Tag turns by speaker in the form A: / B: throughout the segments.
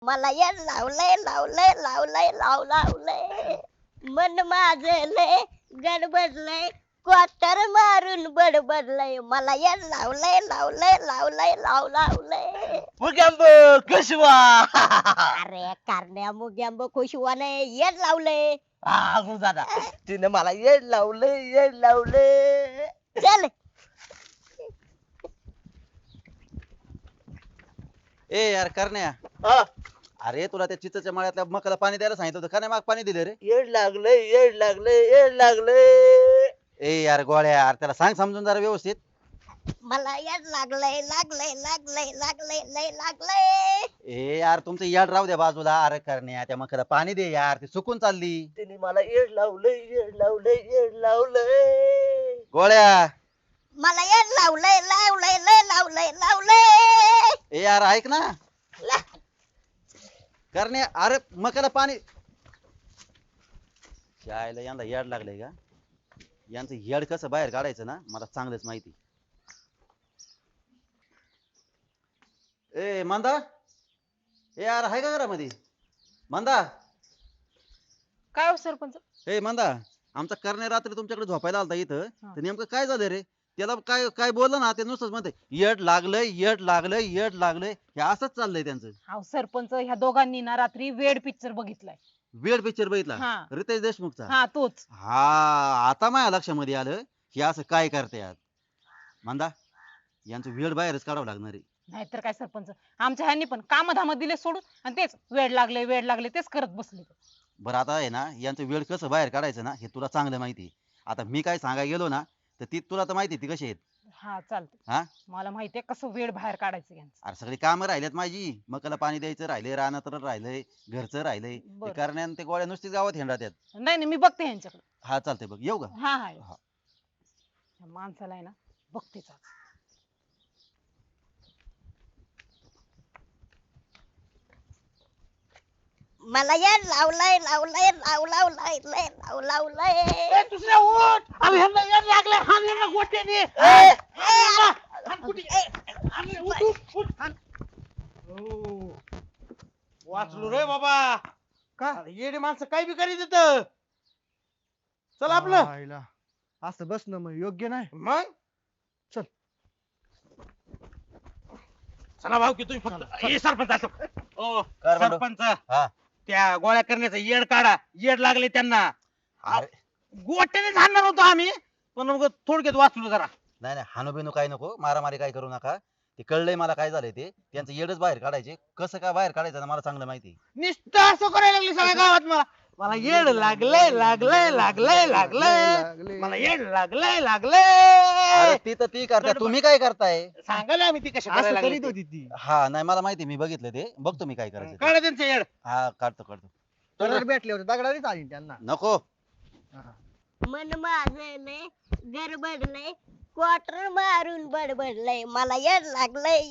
A: मला येड लावलंय लावलंय लावलंय लावलंय मन माझं लय गडबडलंय क्वार्टर मारून बडबडलंय मला येड लावलंय लावलंय लावलंय लावलंय
B: मुग्यांब कशवा
A: अरे कारण्या मुग्यांब खुशवाने येड लावलंय
B: दादा तिने मला येड लावलंय
A: चल
C: ए यार करण्या
B: हा,
C: अरे तुला त्या चिचच्या मळ्यातल्या मकाला पाणी द्यायला सांगितलं होतं का नाही माग पाणी दिले रे
B: येड लागलंय
C: ए यार गोळ्या यार त्याला सांग समजून जरा व्यवस्थित
A: मला येड लागलंय लागलंय लागलंय लागलंय लय लागलंय
C: ए यार तुमचं याड राहू द्या बाजूला अरे करण्या त्या मकाला पाणी दे यार ती सुकून चालली
B: तिने मला येड लावलंय
C: गोळ्या
A: मला येड लावलंय लावलंय लय लावलंय लावलंय
C: ए यार ऐक ना करण्या अरे मकाला पाणी शाळेला यांना याड लागलंय का यांचं येड कसं बाहेर काढायचं ना मला चांगलंच माहिती ए मंदा ए यार आहे का घरामध्ये मंदा
D: काय हो सरपंच?
C: ए मंदा आमचा करण्या रात्री तुमच्याकडे झोपायला आलता इथं
D: हा.
C: तर नेमकं काय झालं रे त्याला काय काय बोललं ना ते नुसतंच म्हणते येड लागलंय हे असंच चाललंय त्यांचं
D: अहो सरपंच ह्या दोघांनी ना रात्री वेड पिक्चर बघितलाय.
C: वेड पिक्चर बघितला
D: हा.
C: रितेश देशमुखचा
D: हा तोच.
C: हा आता माझ्या लक्षामध्ये आलं हे असं काय करतायत मंदा यांचं वेड बाहेरच काढावं लागणार आहे
D: नाहीतर काय सरपंच आमच्या ह्यांनी पण कामधाम दिले सोडून आणि तेच वेड लागले तेच करत बसले.
C: बरं आता आहे ना यांचं वेळ कसं बाहेर काढायचं ना हे तुला चांगलं माहिती आहे. आता मी काय सांगायला गेलो ना तर ती तुला तर माहिती आहे ती कशी आहेत
D: हा चालते.
C: हा
D: मला माहितीये कसं वेड बाहेर काढायचं यांचं.
C: अरे सगळी कामं राहिल्यात माझी मकाला पाणी द्यायचं राहिले रानात राहिलंय घरचं राहिलंय
D: बरं.
C: ते करण्यान ते गोळ्या नुसतीच गावात हिंडतात
D: नाही नाही मी बघते ह्यांच्याकडे.
C: हा चालतंय बघ येऊ का
D: हा हा
C: हा.
D: या माणसाला आहे ना बघतेच आज.
A: मला येड लावलंय लावलंय लावलंय लय लावलंय
B: दुसऱ्या उठ अरे ह्यांना येड लागलंय हाण ह्यांना गोट्याने वाचलो रे बाबा
E: का
B: येडी माणसं काय बी करीत येत चल आपलं
E: आईला. असं बसणं मग योग्य नाही
B: मग
E: चल.
B: चला भाऊ की तुम्ही फक्त ए सरपंच असं ओ
C: कर बरं.
B: सरपंच
C: हा
B: त्या गोळ्या करण्याचं येड काढा येड लागले त्यांना
C: अरे
B: गोट्याने जाणार होतो आम्ही पण मग थोडक्यात वाचलो जरा
C: नाही नाही हानू बिनू काय नको मारामारी काय करू नका ते कळलंय मला काय झालंय ते त्यांचं येडच बाहेर काढायचे कसं काय बाहेर काढायचं ना मला चांगलं माहिती आहे.
B: नुसतं असं करायला लागले सगळ्या गावात मला मला येड लागलंय मला येड
C: अरे
B: लागलंय
C: ती तर ती करता तुम्ही काय करताय
B: सांगायला आम्ही ती कशी
E: असं
B: करायला
E: करीत
B: लागली
E: होती ती
C: हा नाही मला माहिती मी बघितलं ते बघतो मी काय करायचं ते.
B: काढा त्यांचं येड
C: हा काढतो
E: दगड भेटले होते दगडानेच आली त्यांना
C: नको
A: मन माझं लय गडबडलंय क्वार्टर मारून बडबडलंय मला येड लागलंय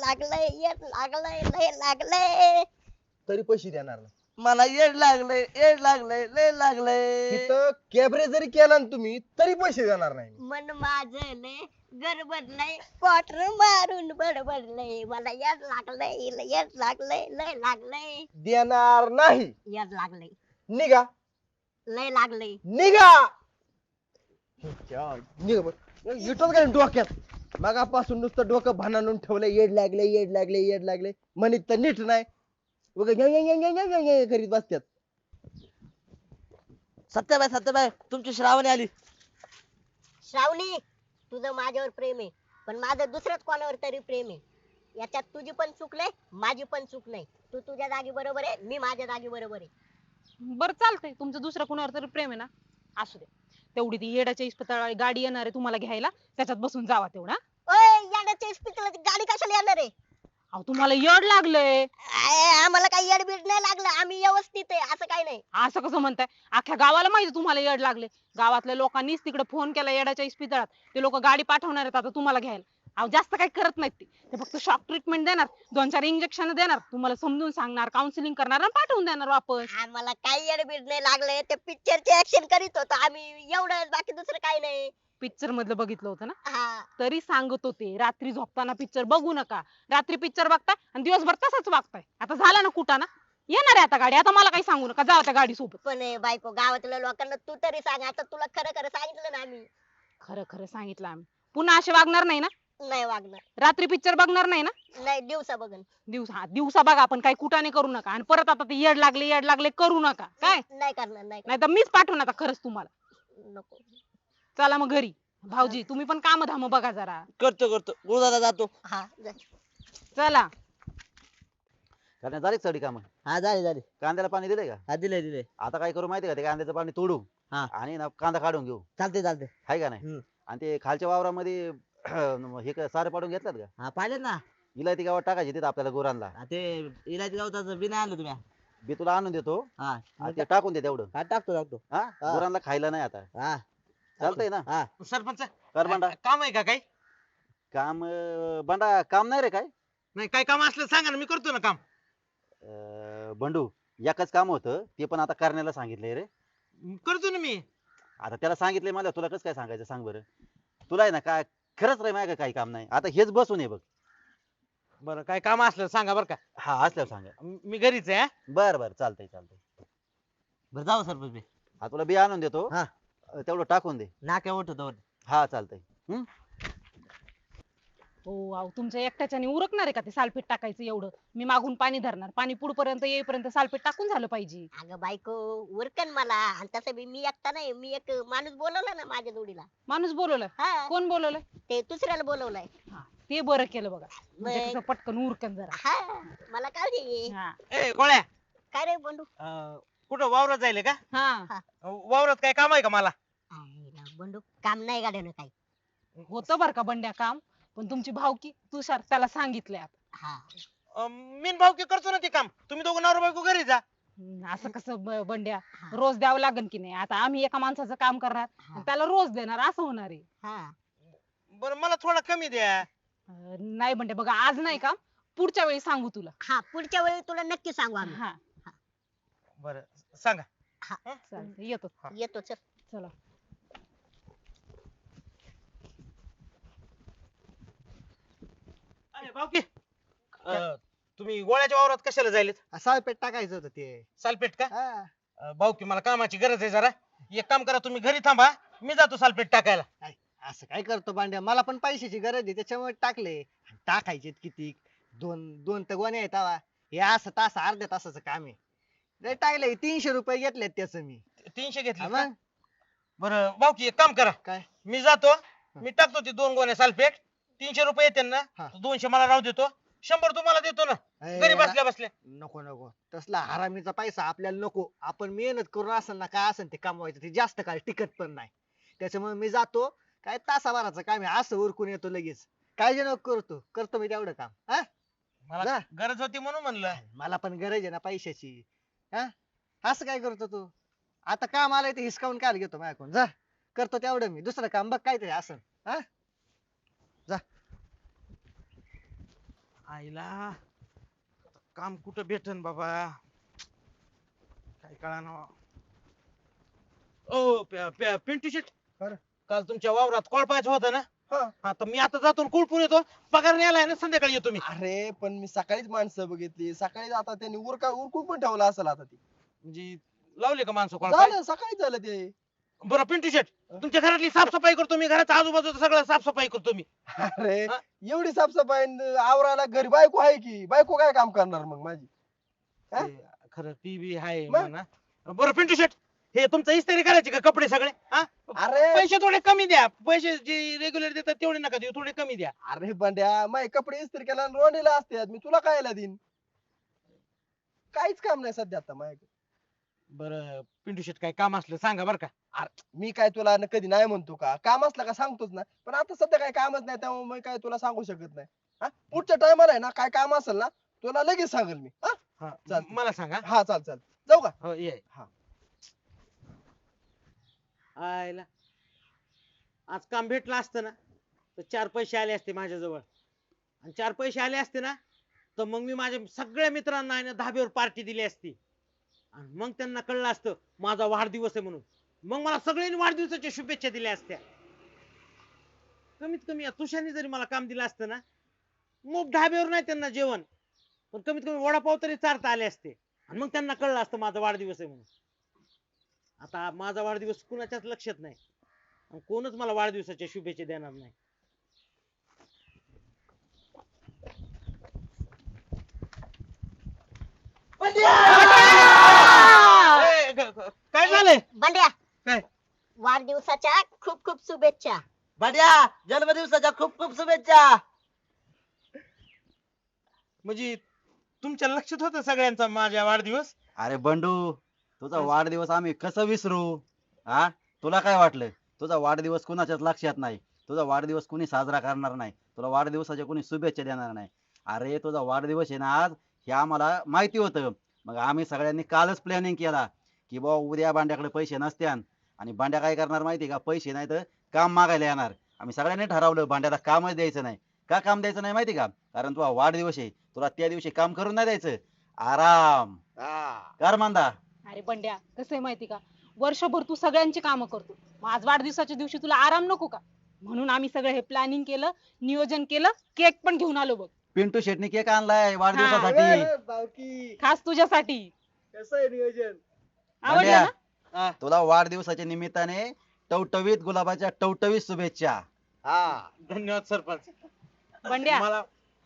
A: लय लागलंय
E: तरी पैसे देणार नाही
B: मला येड लागलंय लय लागलंय
E: तिथं कॅबरे जरी केला ना तुम्ही तरी पैसे देणार नाही
A: मन माझं लय गडबडलंय क्वार्टर मारून बडबडलंय मला येड लागलंय लय लागलंय
E: देणार नाही
A: येड लागलंय
E: निघा
A: लय लागलंय
E: निघा निघा बरं. विटत काय डोक्यात मगापासून नुसतं डोकं भानानून ठेवलं येड लागले म्हणित तर नीट नाही करीत बसत्यात
B: सत्यबाई तुमची श्रावणी आली
A: श्रावणी तुझं माझ्यावर प्रेम आहे पण माझं दुसऱ्याच कोणावर तरी प्रेम आहे याच्यात तुझी पण चूक नाही माझी पण चूक नाही तू तुझ्या जागी बरोबर आहे मी माझ्या जागी बरोबर आहे
D: बरं चालतंय तुमचं दुसरं कुणावर तरी प्रेम आहे ना असू दे. तेवढी ती येडाच्या इस्पितळाची गाडी येणार आहे तुम्हाला घ्यायला त्याच्यात बसून जावा तेवढा.
A: ओय याड्याच्या इस्पितळाची गाडी कशाला येणार आहे
D: अहो तुम्हाला येड लागलंय.
A: आम्हाला काही येडबीड नाही लागलं आम्ही व्यवस्थित आहे असं काही नाही
D: असं कसं म्हणताय अख्ख्या गावाला माहिती तुम्हाला येड लागले. गावातल्या लोकांनीच तिकडे फोन केला येडाच्या इस्पितळात ते लोक गाडी पाठवणार आहेत आता तुम्हाला घ्यायला. अहो जास्त काही करत नाहीत ते फक्त शॉक ट्रीटमेंट देणार 2-4 इंजेक्शन देणार तुम्हाला समजून सांगणार काउन्सिलिंग करणार आणि पाठवून देणार वापस.
A: आम्हाला काही येडबीड नाही लागले ते पिक्चरची ऍक्शन करीत होतो आम्ही एवढं बाकी दुसरं काही नाही
D: पिक्चर मधलं बघितलं होतं ना,
A: हा
D: तरी सांगत होते रात्री झोपताना पिक्चर बघू नका. रात्री पिक्चर बघताय आणि दिवसभर तसंच वागताय. आता झाला ना कुठं ना, येणार आहे आता गाडी. आता मला काही सांगू नका, जावा त्या गाडी सोबत.
A: पण बायको गावातल्या लोकांना तू तरी सांग, आता तुला खरं खरं सांगितलं ना आम्ही.
D: खरं खरं सांगितलं आम्ही. पुन्हा असे वागणार नाही ना?
A: नाही वागणार.
D: रात्री पिक्चर बघणार नाही ना?
A: नाही दिवसा बघन.
D: दिवसा बघा, पण काही कुटाने करू नका. आणि परत आता ते येड लागले करू नका काय.
A: नाही करणार नाही
D: नाही तर मीच पाठवून आता खरंच तुम्हाला.
A: करणार. नको.
D: चला मग घरी. भाऊजी तुम्ही पण काम धाम बघा जरा.
B: करतो गुरुदादा जातो.
A: हा जा.
D: चला.
C: कारण झाली चढी काम
E: हा झाले
C: कांद्याला पाणी दिलंय का?
E: हा दिले
C: आता काय करू माहितीये का, ते कांद्याचं पाणी तोडू
E: हा.
C: आणि ना कांदा काढून घेऊ,
E: चालते
C: हाय का नाही?
E: हम्म.
C: आणि ते खालच्या वावरामध्ये हे सारे पाडून घेतल्यात का?
E: हा पाहिलं ना.
C: इलायती गावात टाकायची तिथं आपल्याला गुरांना.
E: ते इलायची गवताचं बिना आणलं तुम्ही.
C: बी तुला आणून देतो
E: हा
C: आणि ते टाकून दे तेवढं.
E: हा टाकतो
C: हा
E: हा.
C: गुरांना खायला नाही आता.
E: हा
C: चालतंय ना?
E: हा
B: सरपंच
C: कर बंडा.
B: काम आहे का काही?
C: काम बंडा काम नाही रे काय.
B: नाही काय काम असलं सांगा ना, मी करतो ना काम.
C: बंडू एकच काम होतं, ते पण आता करण्याला सांगितलंय रे.
B: करतो ना मी.
C: आता त्याला सांगितलंय, मला तुला कसं काय सांगायचं सांग बरं. तुला आहे ना काय खरंच रे माझ्या काही काम नाही आता, हेच बसून आहे बघ.
B: बरं काय काम असलं सांगा बरं का.
C: हा असल्यावर सांगा.
B: मी घरीच आहे हा.
C: बर चालतंय.
E: बरं जाऊ सरपंच मी.
C: हा तुला बी आणून देतो.
E: हा.
C: तेवढं टाकून दे.
E: नाक्या उठतो.
C: हा चालतंय.
D: हो अहो, तुमच्या एकट्याच्याने उरकणार आहे का ते सालपीठ टाकायचं एवढं? मी मागून पाणी धरणार. पाणी पुढपर्यंत येईपर्यंत सालपीठ टाकून झालं पाहिजे.
A: अगं बायको उरकन मला, आणि तसं बी मी एकटा नाही, मी एक माणूस बोलवला ना माझ्या जोडीला.
D: माणूस बोलवलाय?
A: हा
D: कोण बोलवलंय?
A: ते दुसऱ्याला बोलवलाय.
D: ते बरं केलं बघा. म्हणजे
A: मग?
D: कसं पटकन उरकन जरा.
A: हा मला काय दे.
D: हा
B: ए गोळ्या,
A: काय रे बंडू.
B: कुठं वावरात जायले का?
D: हा
B: वावरात काय काम आहे का मला?
A: आईला बंडू काम नाही गाड्यानं काही.
D: होतं बरं का बंड्या काम, पण तुमची भावकी तुषार त्याला सांगितलंय आता.
A: हा
B: मीन भाऊ करतो ना ते काम. तुम्ही दोघं नवरा बायको घरी जा.
D: असं कसं बंड्या, रोज द्यावं लागेल की नाही? आता आम्ही एका माणसाचं काम करणार आणि त्याला रोज देणार, असं होणार आहे.
A: हा
B: बरं मला थोडा कमी द्या.
D: नाही बंड्या बघा, आज नाही का, पुढच्या वेळी सांगू तुला.
A: हा पुढच्या वेळी तुला नक्की सांगू आम्ही.
D: हा
B: बरं सांगा.
D: चालतंय, येतो.
A: येतो चल.
D: चला.
B: अरे भाऊकी, तुम्ही गोळ्याच्या वावरात कशाला जायलेत?
E: सालपेट टाकायचं होतं ते.
B: सालपेट का?
E: हा.
B: भाऊकी मला कामाची गरज आहे जरा. एक काम करा, तुम्ही घरी थांबा, मी जातो सालपेट टाकायला.
E: असं काय करतो भांड्या, मला पण पैशाची गरज आहे त्याच्यामुळे टाकले. टाकायचे किती, दोन तर गोणे आहेत आवा. हे असं अर्ध्या तासाचं काम आहे. लय टाकले 300 रुपये घेतलेत त्याच मी.
B: 300 घेतले
E: हा
B: का?
E: मग.
B: बरं भाऊकी एक काम करा,
E: काय?
B: मी जातो, मी टाकतो ते 2 गोण्या सालपेट. 300 रुपये येते ना,
E: हा.
B: 200 मला राहू देतो, 100 तुम्हाला देतो ना घरी बसल्या बसल्या.
E: नको तसला हरामीचा पैसा आपल्याला नको. आपण मेहनत करून असेल ना काय असेल ते कमवायचं, ते जास्त काळ टिकत पण नाही. त्याच्यामुळे मी जातो, काय तासाभराचं काम आहे, असं उरकून येतो लगेच. काळजी नको करतो मी तेवढं काम. हा
B: मला
E: जा.
B: गरज होती म्हणून म्हणलं.
E: मला पण गरज आहे ना पैशाची. हा असं काय करतो तू? आता काम आलंय ते हिसकावून काय घेतो माझ्याकडून. जा करतो तेवढं मी, दुसरं काम बघ काय तरी असं. हा जा.
B: आईला काम कुठं भेटन बाबा, काय कळाना. ओ पिंटू शेट,
E: काय रे?
B: काल तुमच्या वावरात कोळपायचं होतं ना?
E: हा.
B: हा तर मी आता जातो कुळपून येतो, पगार न्यायला आहे ना, संध्याकाळी येतो मी.
F: अरे पण मी सकाळीच माणसं बघितली, सकाळी आता त्यांनी उरकून पण ठेवला असेल आता ती.
B: म्हणजे लावले का माणसं कोळपाय?
F: झालं सकाळी झालं ते.
B: बरं पिंटू शेट, तुमच्या घरातली साफसफाई करतो मी, घराच्या आजूबाजूचं सगळं साफसफाई करतो मी.
F: अरे
B: हा?
F: एवढी साफसफाई आवरायला घरी बायको आहे की, बायको काय काम करणार मग माझी? हा?
B: ते खरं ती बी आहे
F: मग?
B: म्हणा. बरं पिंटू शेट, हे तुमचं इस्त्री करायचे का कपडे सगळे? हा?
F: अरे
B: पैसे थोडे कमी द्या, पैसे जे रेग्युलर देतात तेवढे नका देऊ, थोडे कमी द्या.
F: अरे बंड्या, माझे कपडे इस्त्री केला रोंडीला असतात, मी तुला कायला देईन? काहीच काम नाही सध्या आता माझ्याकडे.
B: बरं पिंटू शेट, काय काम असलं सांगा बरं का.
F: मी काय तुला कधी नाही म्हणतो का? काम असलं का सांगतोच ना, पण आता सध्या काय कामच नाही त्यामुळे मी काय तुला सांगू शकत नाही. हा पुढच्या टायमाला आहे ना, काय काम असेल ना तुला लगेच सांगेल मी. हा
B: हा,
F: चालतंय.
B: मला सांगा.
F: हा चाल जाऊ का?
B: हो ये.
F: हा.
B: आयला आज काम भेटलं असतं ना तर 4 पैसे आले असते माझ्याजवळ, आणि 4 पैसे आले असते ना तर मग मी माझ्या सगळ्या मित्रांना आहे ना धाब्यावर पार्टी दिली असती, आणि मग त्यांना कळलं असतं माझा वाढदिवस आहे म्हणून, मग मला सगळ्यांनी वाढदिवसाच्या शुभेच्छा दिल्या असत्या. कमीत कमी या तुषारने जरी मला काम दिलं असतं ना, मग ढाब्यावर नाही त्यांना जेवण, पण कमीत कमी वडापाव तरी चारता आले असते आणि मग त्यांना कळलं असतं माझा वाढदिवस आहे म्हणून. आता माझा वाढदिवस कुणाच्याच लक्षात नाही आणि कोणच मला वाढदिवसाच्या शुभेच्छा देणार नाही. काय झालंय?
A: बंड्या
B: काय?
A: वाढदिवसाच्या खूप खूप शुभेच्छा.
G: बड्या जन्मदिवसाच्या खूप खूप शुभेच्छा.
B: म्हणजे तुमच्या लक्षात होतं सगळ्यांचा माझ्या वाढदिवस?
C: अरे बंडू, तुझा वाढदिवस आम्ही कसं विसरू? हा, तुला काय वाटलं तुझा वाढदिवस कुणाच्याच लक्षात नाही? तुझा वाढदिवस कुणी साजरा करणार नाही, तुला वाढदिवसाच्या कुणी शुभेच्छा देणार नाही. अरे तुझा वाढदिवस आहे ना आज, हे आम्हाला माहिती होतं. मग आम्ही सगळ्यांनी कालच प्लॅनिंग केला की बाबा उद्या बांड्याकडे पैसे नसत्यान आणि बांड्या काय करणार माहिती का, पैसे नाही तर काम मागायला येणार. आम्ही सगळ्यांनी ठरवलं बांड्याला कामच द्यायचं नाही. का काम द्यायचं नाही माहिती का? कारण तुझा वाढदिवस आहे, तुला त्या दिवशी काम करून नाही द्यायचं, आराम कर मांदा.
D: अरे बंड्या, कसं आहे माहिती का, वर्षभर तू सगळ्यांची कामं करतो, मग आज वाढदिवसाच्या दिवशी तुला आराम नको का? म्हणून आम्ही सगळं हे प्लॅनिंग केलं, नियोजन केलं, केक पण घेऊन आलो बघ,
C: पिंटू शेटनी केक आणलाय वाढदिवसासाठी.
F: अरे भावकी
D: खास तुझ्यासाठी.
F: कसं आहे नियोजन?
D: आवडलं
C: बंड्या,
D: ना?
C: तुला वाढदिवसाच्या निमित्ताने टवटवीत गुलाबाच्या टवटवीत शुभेच्छा.
F: हा
B: धन्यवाद सरपंच.
D: बंड्या,
B: मला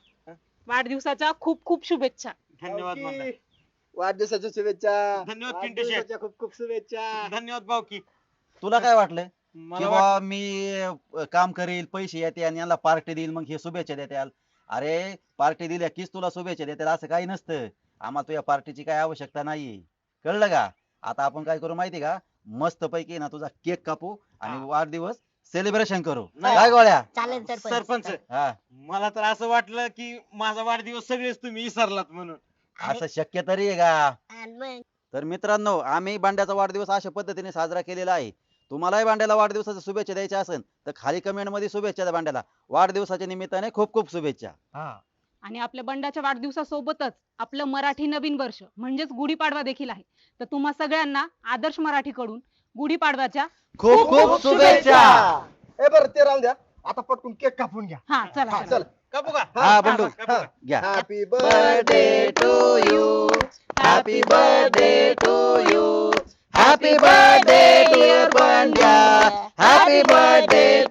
D: वाढदिवसाच्या खूप खूप शुभेच्छा.
B: धन्यवाद
F: भावकी,
B: म्हणलं.
F: वाढदिवसाच्या शुभेच्छा.
B: धन्यवाद पिंटू शेट.
F: वाढदिवसाच्या खूप खूप शुभेच्छा.
B: धन्यवाद भाऊकी.
C: तुला काय वाटलं की
B: मला
C: बाबा मी काम करील, पैसे येते आणि यांना पार्टी देईल, मग हे शुभेच्छा देत्याल? अरे पार्टी दिल्या कीच तुला शुभेच्छा देतील असं काही नसतं. आम्हाला तुझ्या पार्टीची काय आवश्यकता नाहीये, कळलं का? आता आपण काय करू माहिती का, मस्त पैकी ना तुझा केक कापू आणि
B: हा.
C: वाढदिवस सेलिब्रेशन करू.
B: नाही.
C: काय गोळ्या?
A: चालेल
B: सरपंच,
C: हा,
B: मला तर असं वाटलं की माझा वाढदिवस सगळेच तुम्ही विसरलात म्हणून.
C: असं शक्य तरी आहे का?
A: आणि मग
C: तर मित्रांनो, आम्ही बांड्याचा वाढदिवस अशा पद्धतीने साजरा केलेला आहे. तुम्हालाही बांड्याला वाढदिवसाच्या शुभेच्छा द्यायच्या असेल तर खाली कमेंट मध्ये शुभेच्छा द्या बांड्याला. वाढदिवसाच्या निमित्ताने खूप खूप शुभेच्छा.
D: आणि आपल्या बंड्याच्या वाढदिवसासोबतच आपलं मराठी नवीन वर्ष म्हणजेच गुढीपाडवा देखील आहे. तर तुम्हा सगळ्यांना आदर्श मराठी कडून गुढीपाडव्याच्या
C: खूप खूप शुभेच्छा.
F: ए बरं ते राहून द्या, आता पटकून केक कापून घ्या.
D: हा चला
F: हा,
D: चला.
F: चल.
B: कापू का?
C: हा बंडू
B: कापू का?
C: घ्या.
F: Happy
C: birthday to you. Happy birthday to you. Happy birthday dear Bandya. Happy birthday